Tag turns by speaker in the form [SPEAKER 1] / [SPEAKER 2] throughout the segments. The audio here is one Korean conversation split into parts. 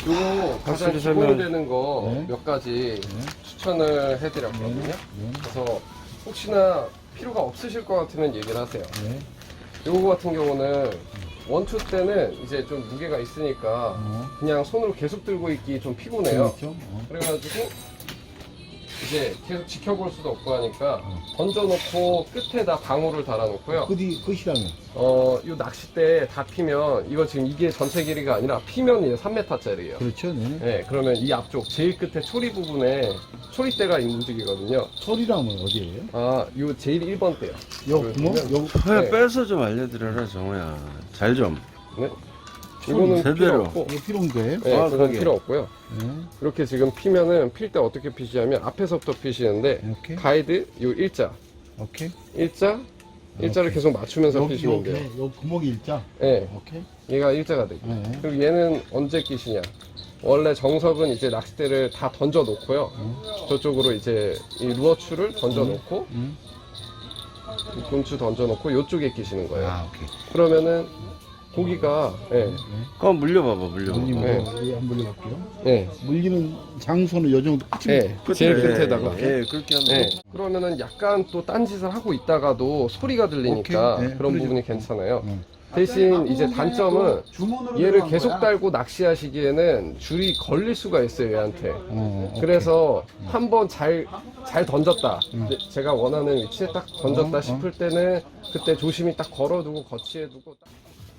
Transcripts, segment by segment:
[SPEAKER 1] 요거 가장
[SPEAKER 2] 확실히 설명-
[SPEAKER 1] 기본되는 거
[SPEAKER 3] 네.
[SPEAKER 1] 몇 가지 추천을 해드렸거든요.
[SPEAKER 3] 네.
[SPEAKER 1] 그래서 혹시나 필요가 없으실 것 같으면 얘기를 하세요.
[SPEAKER 3] 네.
[SPEAKER 1] 요거 같은 경우는 원투 때는 이제 좀 무게가 있으니까 그냥 손으로 계속 들고 있기 좀 피곤해요.
[SPEAKER 3] 그렇죠.
[SPEAKER 1] 그래가지고 이제 계속 지켜볼 수도 없고 하니까 던져놓고 끝에다 방울을 달아놓고요.
[SPEAKER 3] 끝이라면.
[SPEAKER 1] 요 낚싯대 다 피면 이거 지금 이게 전체 길이가 아니라 피면 이제 3m짜리예요.
[SPEAKER 3] 그렇죠. 네.
[SPEAKER 1] 네, 그러면 이 앞쪽 제일 끝에 초리 부분에 초리대가 움직이거든요.
[SPEAKER 3] 소리라면 어디예요?
[SPEAKER 1] 아, 요 제일 1번 대요.
[SPEAKER 3] 요 구멍? 요
[SPEAKER 2] 회
[SPEAKER 1] 네.
[SPEAKER 2] 빼서 좀 알려드려라 정우야. 잘 좀.
[SPEAKER 1] 네. 이거는
[SPEAKER 2] 제대로.
[SPEAKER 1] 필요 없고,
[SPEAKER 3] 요 필요한 거예요?
[SPEAKER 1] 네,
[SPEAKER 2] 아,
[SPEAKER 1] 그건
[SPEAKER 2] 그게.
[SPEAKER 1] 필요 없고요.
[SPEAKER 3] 네.
[SPEAKER 1] 이렇게 지금 피면은 필 때 어떻게 피시냐면 앞에서부터 피시는데
[SPEAKER 3] 이렇게.
[SPEAKER 1] 가이드 요 일자,
[SPEAKER 3] 오케이.
[SPEAKER 1] 일자를
[SPEAKER 3] 오케이.
[SPEAKER 1] 계속 맞추면서
[SPEAKER 3] 여기
[SPEAKER 1] 피시면 돼요.
[SPEAKER 3] 요 구멍이 일자.
[SPEAKER 1] 네,
[SPEAKER 3] 오케이.
[SPEAKER 1] 얘가 일자가 되고.
[SPEAKER 3] 네.
[SPEAKER 1] 그리고 얘는 언제 끼시냐? 원래 정석은 이제 낚싯대를 다 던져 놓고요. 저쪽으로 이제 이 루어추를 던져 놓고 이 곤추 던져 놓고 요쪽에 끼시는 거예요.
[SPEAKER 3] 아, 오케이.
[SPEAKER 1] 그러면은 고기가
[SPEAKER 2] 그럼 물려봐봐 물려봐봐.
[SPEAKER 3] 물리면
[SPEAKER 1] 네.
[SPEAKER 3] 한번 물려볼게요.
[SPEAKER 1] 예,
[SPEAKER 3] 물리는 장소는 요 정도 끝입니다.
[SPEAKER 1] 예, 제일 끝에다가.
[SPEAKER 2] 예, 그렇게 하면.
[SPEAKER 1] 예. 그러면은 약간 또 딴짓을 하고 있다가도 소리가 들리니까
[SPEAKER 3] 오케이. 네,
[SPEAKER 1] 그런
[SPEAKER 3] 그러죠.
[SPEAKER 1] 부분이 괜찮아요.
[SPEAKER 3] 음.
[SPEAKER 1] 대신 이제 단점은 얘를 계속 달고 낚시하시기에는 줄이 걸릴 수가 있어요, 얘한테.
[SPEAKER 3] 오케이.
[SPEAKER 1] 그래서 한번 잘 던졌다. 이제 제가 원하는 위치에 딱 던졌다 싶을 때는 그때 조심히 딱 걸어두고 거치해두고 딱.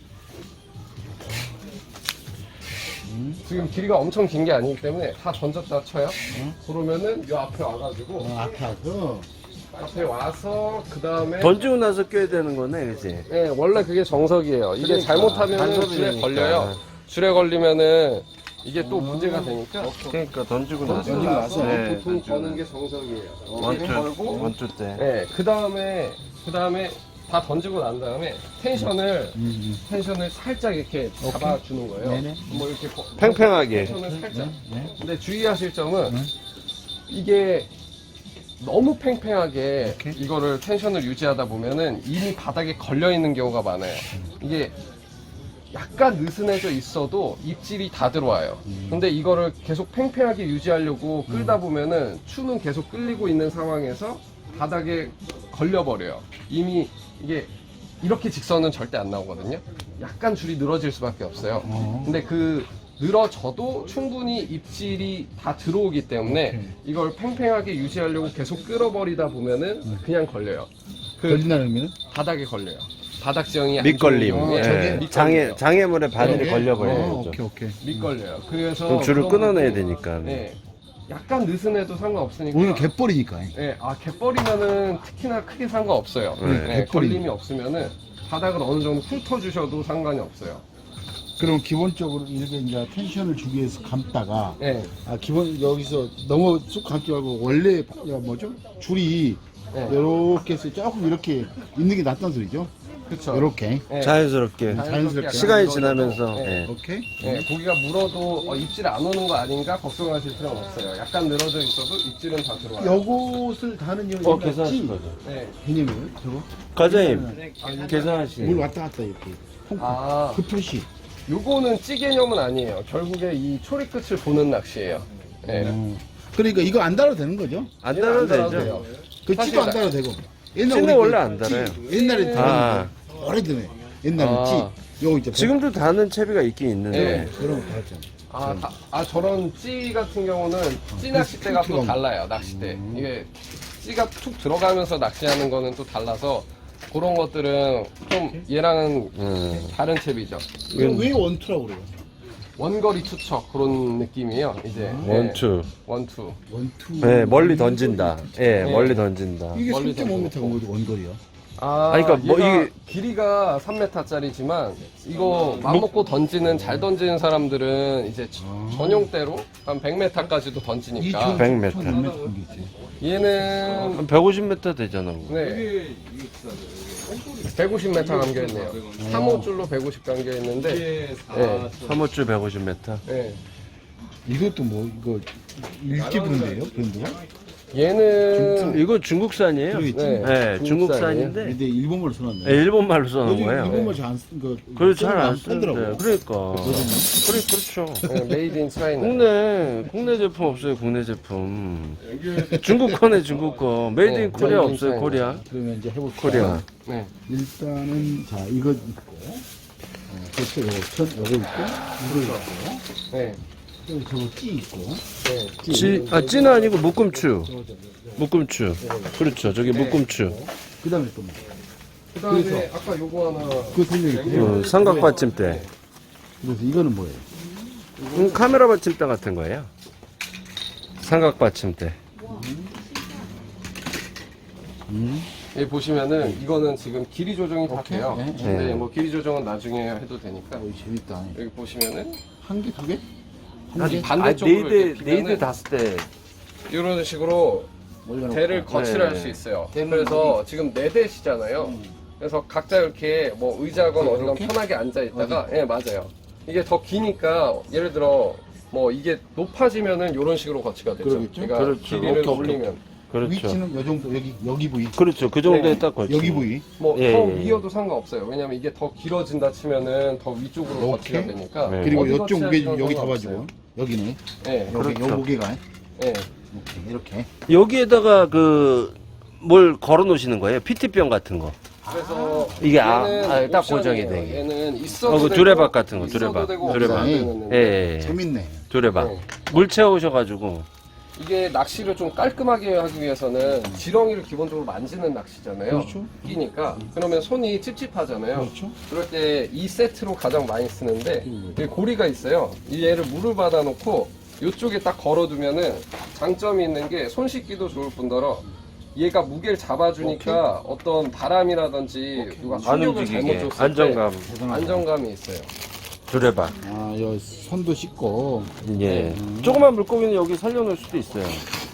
[SPEAKER 1] 지금 길이가 엄청 긴 게 아니기 때문에 다 던졌다 쳐요. 그러면은 요 앞에 와가지고
[SPEAKER 3] 앞에 와서
[SPEAKER 1] 앞에 와서 그 다음에
[SPEAKER 2] 던지고 나서 껴야 되는 거네, 그지?
[SPEAKER 1] 네, 원래 그게 정석이에요. 이게
[SPEAKER 2] 그러니까,
[SPEAKER 1] 잘못하면
[SPEAKER 2] 간섭이
[SPEAKER 1] 줄에
[SPEAKER 2] 되니까.
[SPEAKER 1] 걸려요. 줄에 걸리면은 이게 또 문제가 되니까
[SPEAKER 2] 그러니까 던지고
[SPEAKER 1] 던지고
[SPEAKER 2] 나서.
[SPEAKER 1] 나서
[SPEAKER 2] 네,
[SPEAKER 1] 보통
[SPEAKER 2] 던지고
[SPEAKER 1] 거는 게 정석이에요.
[SPEAKER 2] 원투,
[SPEAKER 1] 걸고
[SPEAKER 2] 원투 때.
[SPEAKER 1] 네, 그 다음에 다 던지고 난 다음에 텐션을 살짝 이렇게 잡아주는 거예요.
[SPEAKER 3] 네네.
[SPEAKER 1] 뭐 이렇게
[SPEAKER 2] 팽팽하게.
[SPEAKER 1] 텐션을 살짝.
[SPEAKER 3] 네.
[SPEAKER 1] 근데 주의하실 점은 이게 너무 팽팽하게
[SPEAKER 3] 오케이.
[SPEAKER 1] 이거를 텐션을 유지하다 보면은 이미 바닥에 걸려 있는 경우가 많아요. 이게 약간 느슨해져 있어도 입질이 다 들어와요. 근데 이거를 계속 팽팽하게 유지하려고 끌다 보면은 추는 계속 끌리고 있는 상황에서 바닥에 걸려버려요. 이미 이게 이렇게 직선은 절대 안 나오거든요. 약간 줄이 늘어질 수밖에 없어요. 근데 그 늘어져도 충분히 입질이 다 들어오기 때문에 이걸 팽팽하게 유지하려고 계속 끌어버리다 보면은 그냥 걸려요. 그
[SPEAKER 3] 걸린다는 의미는?
[SPEAKER 1] 바닥에 걸려요. 바닥 지형이 안
[SPEAKER 2] 밑걸림.
[SPEAKER 1] 좋은
[SPEAKER 2] 예.
[SPEAKER 1] 경우에 밑걸려요.
[SPEAKER 2] 장애물에 바늘이
[SPEAKER 1] 네.
[SPEAKER 2] 걸려버리는 거죠.
[SPEAKER 3] 오케이, 오케이.
[SPEAKER 1] 밑걸려요. 그래서
[SPEAKER 2] 그럼 줄을
[SPEAKER 1] 그런
[SPEAKER 2] 끊어내야
[SPEAKER 1] 부분,
[SPEAKER 2] 되니까.
[SPEAKER 1] 네. 약간 느슨해도 상관없으니까.
[SPEAKER 3] 오늘 갯벌이니까.
[SPEAKER 1] 네, 갯벌이면은 특히나 크게 상관없어요.
[SPEAKER 2] 네,
[SPEAKER 1] 네,
[SPEAKER 3] 갯벌이.
[SPEAKER 1] 걸림이 없으면은 바닥을 어느 정도 훑어주셔도 상관이 없어요.
[SPEAKER 3] 그럼 기본적으로 이렇게 이제 텐션을 주기 위해서 감다가
[SPEAKER 1] 네,
[SPEAKER 3] 기본 여기서 너무 쑥 감지 말고 원래 뭐죠? 줄이
[SPEAKER 1] 네.
[SPEAKER 3] 이렇게 해서 조금 이렇게 있는 게 낫다는 소리죠?
[SPEAKER 1] 그쵸.
[SPEAKER 3] 이렇게.
[SPEAKER 1] 네,
[SPEAKER 2] 자연스럽게.
[SPEAKER 3] 자연스럽게.
[SPEAKER 1] 약간
[SPEAKER 2] 시간이
[SPEAKER 1] 물어도,
[SPEAKER 2] 지나면서.
[SPEAKER 1] 네,
[SPEAKER 2] 예.
[SPEAKER 3] 오케이.
[SPEAKER 1] 네, 고기가 물어도 입질 안 오는 거 아닌가 걱정하실 필요는 없어요. 약간 늘어져 있어도 입질은 다 들어와요.
[SPEAKER 3] 요것을 다는 이유가
[SPEAKER 2] 계산하신 거죠.
[SPEAKER 1] 네.
[SPEAKER 3] 개념이에요, 저거?
[SPEAKER 2] 과장님,
[SPEAKER 3] 물
[SPEAKER 2] 계산하시.
[SPEAKER 3] 왔다 갔다 이렇게.
[SPEAKER 1] 아,
[SPEAKER 3] 그 표시.
[SPEAKER 1] 요거는 찌 개념은 아니에요. 결국에 이 초리 끝을 보는 낚시예요. 네.
[SPEAKER 3] 그러니까 이거 안 달아도 되는 거죠?
[SPEAKER 2] 안
[SPEAKER 1] 얘는
[SPEAKER 2] 달아도
[SPEAKER 1] 안 달아도
[SPEAKER 2] 되죠.
[SPEAKER 1] 돼요.
[SPEAKER 3] 그
[SPEAKER 1] 사실
[SPEAKER 3] 찌도 안 달아도 되고.
[SPEAKER 2] 찌는
[SPEAKER 3] 우리
[SPEAKER 2] 원래
[SPEAKER 3] 그
[SPEAKER 2] 안 달아요.
[SPEAKER 3] 찌, 옛날에
[SPEAKER 2] 아.
[SPEAKER 3] 달았는데 오래전에 옛날에
[SPEAKER 1] 아.
[SPEAKER 3] 찌 요거 있죠.
[SPEAKER 2] 지금도 다는 채비가 있긴 있는데.
[SPEAKER 1] 네.
[SPEAKER 3] 그런 거 달았잖아.
[SPEAKER 1] 저런 찌 같은 경우는 찌 낚싯대가 또
[SPEAKER 3] 필요한 거.
[SPEAKER 1] 달라요, 낚싯대. 이게 찌가 툭 들어가면서 낚시하는 거는 또 달라서 그런 것들은 좀 얘랑은 다른 채비죠.
[SPEAKER 3] 이건 왜 원투라고 그래요?
[SPEAKER 1] 원거리 투척 그런 느낌이에요, 이제. 네.
[SPEAKER 2] 원투.
[SPEAKER 1] 원투.
[SPEAKER 3] 원투.
[SPEAKER 2] 네, 멀리 던진다. 예,
[SPEAKER 1] 네.
[SPEAKER 2] 멀리 던진다.
[SPEAKER 3] 이게
[SPEAKER 1] 멀리
[SPEAKER 3] 3.5m가 뭐죠 원거리요?
[SPEAKER 2] 그러니까 뭐
[SPEAKER 1] 얘가
[SPEAKER 2] 이게-
[SPEAKER 1] 길이가 3m짜리지만 이거 맘먹고 던지는 잘 던지는 사람들은 이제 전용대로 한 100m까지도 던지니까
[SPEAKER 2] 100m.
[SPEAKER 3] 100m
[SPEAKER 1] 얘는
[SPEAKER 2] 한 150m 되잖아. 그거.
[SPEAKER 1] 네. 150m 감겨있네요. 3호줄로 150 감겨있는데, 네.
[SPEAKER 2] 3호줄 150m.
[SPEAKER 1] 네.
[SPEAKER 3] 이것도 뭐 이거 일기 브랜드예요? 브랜드가?
[SPEAKER 1] 얘는
[SPEAKER 2] 이거 중국산이에요.
[SPEAKER 3] 그러겠지.
[SPEAKER 1] 네.
[SPEAKER 2] 네, 중국산인데
[SPEAKER 3] 근데 일본말로 써놨네.
[SPEAKER 2] 네, 일본말로 써놓은
[SPEAKER 3] 요즘
[SPEAKER 2] 거예요.
[SPEAKER 3] 일본말 잘안 쓰, 그,
[SPEAKER 2] 그걸 잘안
[SPEAKER 3] 쓰더라고.
[SPEAKER 2] 쓰는데. 그러니까. 그렇죠.
[SPEAKER 1] 메이드 인 차이나.
[SPEAKER 2] 국내 제품 없어요, 국내 제품. 중국 거네, 중국 거. 메이드 인
[SPEAKER 1] 네,
[SPEAKER 2] 코리아
[SPEAKER 1] 메이드 인
[SPEAKER 2] 없어요,
[SPEAKER 1] 차이나.
[SPEAKER 2] 코리아.
[SPEAKER 3] 그러면 이제 해볼까?
[SPEAKER 2] 코리아.
[SPEAKER 1] 네.
[SPEAKER 3] 일단은, 자, 이거 있고, 그렇죠. 요거 있고, 이거 있고,
[SPEAKER 1] 네.
[SPEAKER 3] 그리고 저거 찌 있고,
[SPEAKER 1] 네.
[SPEAKER 2] 찌는 아니고 묶음추. 묶음추. 그렇죠, 저게 묶음추.
[SPEAKER 3] 그 다음에 또 뭐.
[SPEAKER 1] 그다음에 아까 요거 하나.
[SPEAKER 3] 그 설명이
[SPEAKER 2] 삼각 받침대.
[SPEAKER 3] 그래서 이거는 뭐예요?
[SPEAKER 2] 카메라 받침대 같은 거예요. 삼각 받침대.
[SPEAKER 1] 여기 보시면은 이거는 지금 길이 조정이 다
[SPEAKER 3] 오케이.
[SPEAKER 1] 돼요.
[SPEAKER 3] 네.
[SPEAKER 1] 근데
[SPEAKER 2] 네.
[SPEAKER 1] 뭐 길이 조정은 나중에 해도 되니까.
[SPEAKER 3] 오, 재밌다.
[SPEAKER 1] 여기 보시면은
[SPEAKER 3] 한 개, 두 개? 한
[SPEAKER 1] 아니,
[SPEAKER 3] 개?
[SPEAKER 1] 반대쪽으로 이렇게
[SPEAKER 2] 네이드
[SPEAKER 1] 피면은
[SPEAKER 2] 닿았을 때.
[SPEAKER 1] 이런 식으로
[SPEAKER 3] 올려놓고.
[SPEAKER 1] 대를 거칠할
[SPEAKER 2] 네.
[SPEAKER 1] 수 있어요.
[SPEAKER 3] 대는
[SPEAKER 1] 그래서 지금 4대시잖아요. 그래서 각자 이렇게 뭐 의자건 어디건
[SPEAKER 3] 이렇게?
[SPEAKER 1] 편하게 앉아 있다가, 예, 맞아요. 이게 더 기니까 예를 들어 뭐 이게 높아지면은 이런 식으로 거치가 되죠.
[SPEAKER 3] 그러겠죠?
[SPEAKER 1] 그러니까
[SPEAKER 2] 그렇죠.
[SPEAKER 1] 길이를
[SPEAKER 3] 오케이,
[SPEAKER 1] 올리면
[SPEAKER 2] 그렇죠.
[SPEAKER 3] 위치는 요 정도, 여기 부위.
[SPEAKER 2] 그렇죠. 그 정도에
[SPEAKER 1] 네.
[SPEAKER 2] 딱 걸쳐.
[SPEAKER 3] 여기 부위.
[SPEAKER 1] 뭐 더
[SPEAKER 2] 예, 예.
[SPEAKER 1] 위여도 상관없어요. 왜냐면 이게 더 길어진다 치면은 더 위쪽으로 거치가
[SPEAKER 3] 오케이.
[SPEAKER 1] 되니까.
[SPEAKER 2] 네.
[SPEAKER 3] 그리고
[SPEAKER 1] 어디
[SPEAKER 3] 이쪽 무게 좀
[SPEAKER 1] 거치하셔도
[SPEAKER 3] 여기
[SPEAKER 1] 상관없어요.
[SPEAKER 3] 잡아주고. 여기네.
[SPEAKER 1] 예,
[SPEAKER 3] 여기,
[SPEAKER 2] 그렇죠.
[SPEAKER 3] 요 무게가.
[SPEAKER 1] 예.
[SPEAKER 3] 오케이, 이렇게.
[SPEAKER 2] 여기에다가 뭘 걸어 놓으시는 거예요? PT병 같은 거.
[SPEAKER 1] 그래서
[SPEAKER 2] 이게
[SPEAKER 1] 얘는
[SPEAKER 2] 딱
[SPEAKER 1] 옵션이에요.
[SPEAKER 2] 고정이 되게.
[SPEAKER 1] 얘는 있어도
[SPEAKER 2] 그
[SPEAKER 1] 되고,
[SPEAKER 2] 두레박 같은 거,
[SPEAKER 1] 있어도
[SPEAKER 2] 두레박.
[SPEAKER 1] 되고
[SPEAKER 2] 두레박.
[SPEAKER 1] 없어도 되는
[SPEAKER 3] 예,
[SPEAKER 1] 건데
[SPEAKER 2] 예, 예.
[SPEAKER 3] 재밌네.
[SPEAKER 2] 두레박.
[SPEAKER 1] 네.
[SPEAKER 2] 물 채우셔가지고.
[SPEAKER 1] 이게 낚시를 좀 깔끔하게 하기 위해서는 지렁이를 기본적으로 만지는 낚시잖아요.
[SPEAKER 3] 그렇죠.
[SPEAKER 1] 끼니까 그러면 손이 찝찝하잖아요.
[SPEAKER 3] 그렇죠.
[SPEAKER 1] 그럴 때 이 세트로 가장 많이 쓰는데 여기 고리가 있어요. 이 얘를 물을 받아놓고 이쪽에 딱 걸어두면은 장점이 있는 게 손 씻기도 좋을 뿐더러 얘가 무게를 잡아주니까 어떤 바람이라든지 누가
[SPEAKER 2] 안
[SPEAKER 1] 충격을 잘못
[SPEAKER 2] 움직이게.
[SPEAKER 1] 줬을
[SPEAKER 2] 안정감.
[SPEAKER 1] 때 안정감이 있어요.
[SPEAKER 2] 두레박.
[SPEAKER 3] 아, 여 손도 씻고.
[SPEAKER 2] 예. 조그만 물고기는 여기 살려놓을 수도 있어요.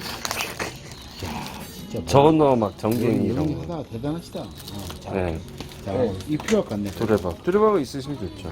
[SPEAKER 3] 진짜
[SPEAKER 2] 저건너 막 정갱이 이런 거.
[SPEAKER 3] 하다 대단하시다. 자,
[SPEAKER 2] 네.
[SPEAKER 3] 자,
[SPEAKER 1] 네.
[SPEAKER 3] 이 필요할 것 같네.
[SPEAKER 2] 두레박. 두레박은 있으시면 좋죠.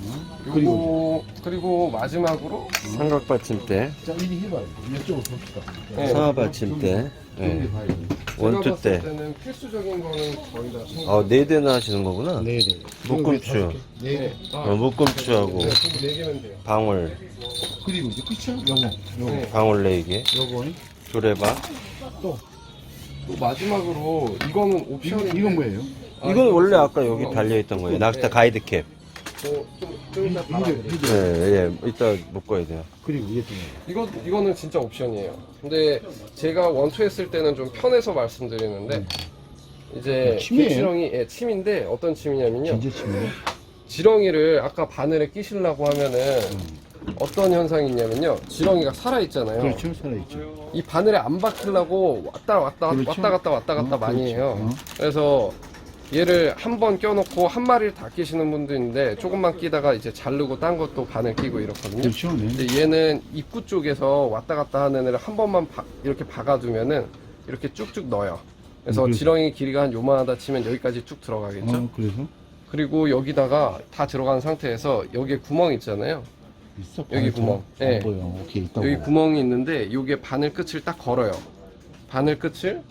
[SPEAKER 1] 그리고 마지막으로
[SPEAKER 2] 삼각 받침대.
[SPEAKER 3] 자, 이리 해봐요. 이쪽으로 봅시다.
[SPEAKER 1] 네.
[SPEAKER 2] 상하 받침대. 네.
[SPEAKER 1] 제가
[SPEAKER 2] 원투
[SPEAKER 1] 봤을
[SPEAKER 2] 때.
[SPEAKER 1] 때는 필수적인 거는 거의 다 챙겨.
[SPEAKER 2] 네 대나 하시는 거구나.
[SPEAKER 3] 네, 네.
[SPEAKER 2] 묶음추.
[SPEAKER 3] 네, 네.
[SPEAKER 2] 묶음추하고
[SPEAKER 1] 네, 4개면 돼요.
[SPEAKER 2] 방울.
[SPEAKER 3] 그리고 이제 끝이야? 요거.
[SPEAKER 1] 네.
[SPEAKER 2] 방울 4개.
[SPEAKER 3] 요거.
[SPEAKER 2] 두레박.
[SPEAKER 3] 또.
[SPEAKER 1] 또 마지막으로 이거는 옵션인데
[SPEAKER 3] 이건 뭐예요?
[SPEAKER 2] 이건 원래 아까 여기 달려있던 거예요. 낚시타 가이드 캡.
[SPEAKER 1] 좀 이따 달아드릴게요.
[SPEAKER 2] 네, 예. 이따 묶어야 돼요.
[SPEAKER 3] 그리고 이게 또 뭐예요?
[SPEAKER 1] 이거는 진짜 옵션이에요. 근데 제가 원투 했을 때는 좀 편해서 말씀드리는데 이제
[SPEAKER 3] 침이에요?
[SPEAKER 1] 갯지렁이 침인데 어떤 침이냐면요.
[SPEAKER 3] 진짜 치네.
[SPEAKER 1] 지렁이를 아까 바늘에 끼시려고 하면은 어떤 현상이 있냐면요. 지렁이가 살아있잖아요.
[SPEAKER 3] 그렇죠, 살아있죠.
[SPEAKER 1] 이 바늘에 안 박히려고 왔다
[SPEAKER 3] 그렇죠.
[SPEAKER 1] 갔다 많이
[SPEAKER 3] 그렇죠.
[SPEAKER 1] 해요.
[SPEAKER 3] 어.
[SPEAKER 1] 그래서 얘를 한 번 껴놓고 한 마리를 다 끼시는 분도 있는데 조금만 끼다가 이제 자르고 딴 것도 바늘 끼고 이렇거든요.
[SPEAKER 3] 그렇죠, 네.
[SPEAKER 1] 근데 얘는 입구 쪽에서 왔다 갔다 하는 애를 한 번만 이렇게 박아두면은 이렇게 쭉쭉 넣어요. 그래서
[SPEAKER 3] 그래서?
[SPEAKER 1] 지렁이 길이가 한 요만하다 치면 여기까지 쭉 들어가겠죠.
[SPEAKER 3] 그래서?
[SPEAKER 1] 그리고 여기다가 다 들어간 상태에서 여기에 구멍 있잖아요.
[SPEAKER 3] 있어?
[SPEAKER 1] 여기
[SPEAKER 3] 바늘
[SPEAKER 1] 구멍.
[SPEAKER 3] 안
[SPEAKER 1] 네.
[SPEAKER 3] 보여. 오케이, 있다고.
[SPEAKER 1] 여기 구멍이 있는데 이게 바늘 끝을 딱 걸어요. 바늘 끝을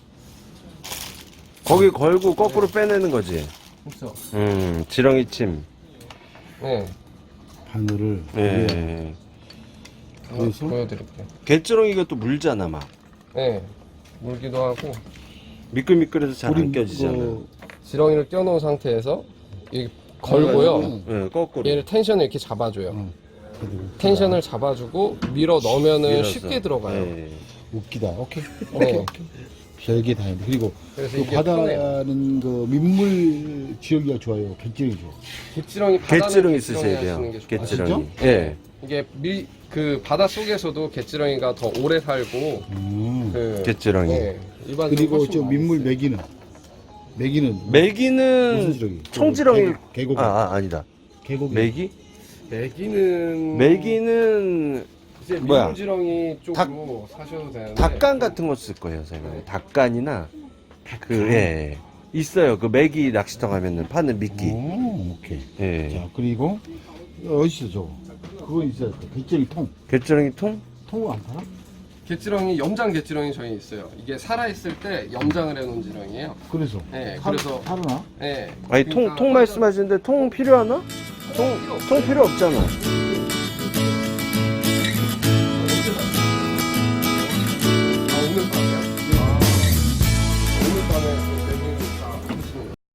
[SPEAKER 2] 거기 걸고 거꾸로 빼내는 거지.
[SPEAKER 1] 그렇죠.
[SPEAKER 2] 지렁이 침.
[SPEAKER 1] 네.
[SPEAKER 3] 바늘을.
[SPEAKER 2] 예.
[SPEAKER 1] 한번
[SPEAKER 3] 그래서?
[SPEAKER 1] 보여드릴게요.
[SPEAKER 2] 갯지렁이가 또 물잖아, 막.
[SPEAKER 1] 네. 물기도 하고
[SPEAKER 2] 미끌미끌해서 잘
[SPEAKER 3] 우리
[SPEAKER 2] 안 껴지잖아.
[SPEAKER 1] 지렁이를 껴놓은 상태에서 이 걸고요.
[SPEAKER 2] 예, 거꾸로.
[SPEAKER 1] 얘를 텐션을 이렇게 잡아줘요.
[SPEAKER 3] 그리고
[SPEAKER 1] 텐션을 잡아주고 밀어 넣으면은
[SPEAKER 2] 밀어서.
[SPEAKER 1] 쉽게 들어가요.
[SPEAKER 2] 예.
[SPEAKER 3] 웃기다. 오케이.
[SPEAKER 1] 네.
[SPEAKER 3] 오케이. 별게 다 있는데. 그리고
[SPEAKER 1] 그래서
[SPEAKER 3] 그
[SPEAKER 1] 이게 편해요.
[SPEAKER 3] 바다는 그 민물 지역이가 좋아요. 갯지역이 좋아.
[SPEAKER 1] 갯지렁이 바다는
[SPEAKER 2] 갯지렁이
[SPEAKER 1] 갯지렁이
[SPEAKER 2] 쓰셔야 돼요.
[SPEAKER 1] 하시는 게 좋아요.
[SPEAKER 2] 갯지렁이.
[SPEAKER 3] 아,
[SPEAKER 2] 예.
[SPEAKER 1] 이게 그 바다 속에서도 갯지렁이가 더 오래 살고 그
[SPEAKER 2] 갯지렁이.
[SPEAKER 1] 네, 일반적으로
[SPEAKER 3] 그리고
[SPEAKER 1] 훨씬
[SPEAKER 3] 저
[SPEAKER 1] 많이
[SPEAKER 3] 민물
[SPEAKER 1] 써요.
[SPEAKER 3] 메기는 무슨
[SPEAKER 2] 메기는
[SPEAKER 3] 지렁이?
[SPEAKER 2] 청지렁이.
[SPEAKER 3] 계곡.
[SPEAKER 2] 아니다.
[SPEAKER 3] 계곡.
[SPEAKER 2] 메기?
[SPEAKER 1] 메기는 이제
[SPEAKER 2] 뭐야?
[SPEAKER 1] 민물지렁이 쪽으로 사셔도 되는데
[SPEAKER 2] 닭간 같은 거 쓸 거예요, 선생님. 닭간이나 예. 있어요. 그 메기 낚시터 가면은 파는 미끼.
[SPEAKER 3] 오, 오케이.
[SPEAKER 2] 예.
[SPEAKER 3] 자, 그리고 어디 있어 저거? 그거 있어야 돼. 갯지렁이 통.
[SPEAKER 2] 갯지렁이 통?
[SPEAKER 3] 통을 안 팔아?
[SPEAKER 1] 갯지렁이 염장 갯지렁이 저희 있어요. 이게 살아 있을 때 염장을 해놓은 지렁이에요.
[SPEAKER 3] 그래서.
[SPEAKER 1] 네,
[SPEAKER 3] 살-
[SPEAKER 1] 그래서
[SPEAKER 3] 살아나?
[SPEAKER 1] 네.
[SPEAKER 2] 아니
[SPEAKER 1] 그러니까
[SPEAKER 2] 통 말씀하시는데 통 필요하나? 통 필요 없잖아.